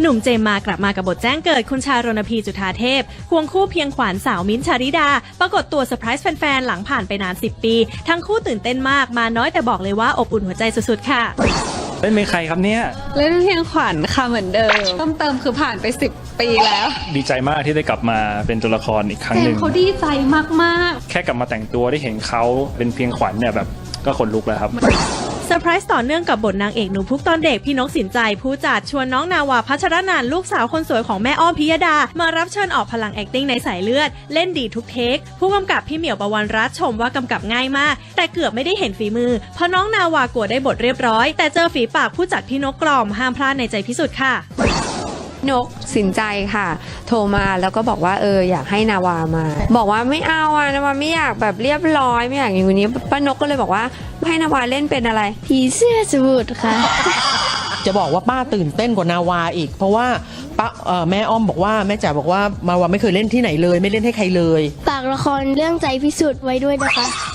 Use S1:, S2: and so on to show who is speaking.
S1: หนุ่มเจมส์มากลับมากับบทแจ้งเกิดคุณชารณพีจุฑาเทพควงคู่เพียงขวัญสาวมิ้นท์ชาริดาปรากฏตัวเซอร์ไพรส์แฟนๆหลังผ่านไปนาน10 ปีทั้งคู่ตื่นเต้นมากมาน้อยแต่บอกเลยว่าอบอุ่นหัวใจสุดๆค่ะ
S2: เล่นเป็นใครครับเนี่ย
S3: เล่นเพียงขวัญค่ะเหมือนเดิมเพิ่มเติมคือผ่านไป10 ปีแล้ว
S2: ดีใจมากที่ได้กลับมาเป็นตัวละครอีกครั้งหนึ่ง
S3: เขาดีใจมาก
S2: แค่กลับมาแต่งตัวได้เห็นเขาเป็นเพียงขวัญเนี่ยแบบก็ขนลุกแล้วครับ
S1: เซอร์ไพรส์ต่อเนื่องกับบทนางเอกหนูพุกตอนเด็กพี่นกสินใจผู้จัดชวนน้องนาวาพัชรนันท์ลูกสาวคนสวยของแม่อ้อมพิยดามารับเชิญออกพลัง acting ในสายเลือดเล่นดีทุกเทคผู้กำกับพี่เหมียวประวันรัตน์ชมว่ากำกับง่ายมากแต่เกือบไม่ได้เห็นฝีมือเพราะน้องนาวากลัวได้บทเรียบร้อยแต่เจอฝีปากผู้จัดพี่นกกล่อมห้ามพลาดในใจพิสุทธิ์ค่ะ
S4: นกสินใจค่ะโทรมาแล้วก็บอกว่าอยากให้นาวามาบอกว่าไม่เอานาวาไม่อยากแบบเรียบร้อยไม่อยากอย่างนี้ป้านกก็เลยบอกว่าให้นาวาเล่นเป็นอะไรผีเสื้อสมุทรค่ะ
S5: จะบอกว่าป้าตื่นเต้นกว่านาวาอีกเพราะว่าป้าแม่อ้อมบอกว่าแม่จ๋าบอกว่ามาวาไม่เคยเล่นที่ไหนเลยไม่เล่นให้ใครเลย
S6: ฝากละครเรื่องใจพิสุทธิ์ไว้ด้วยนะคะ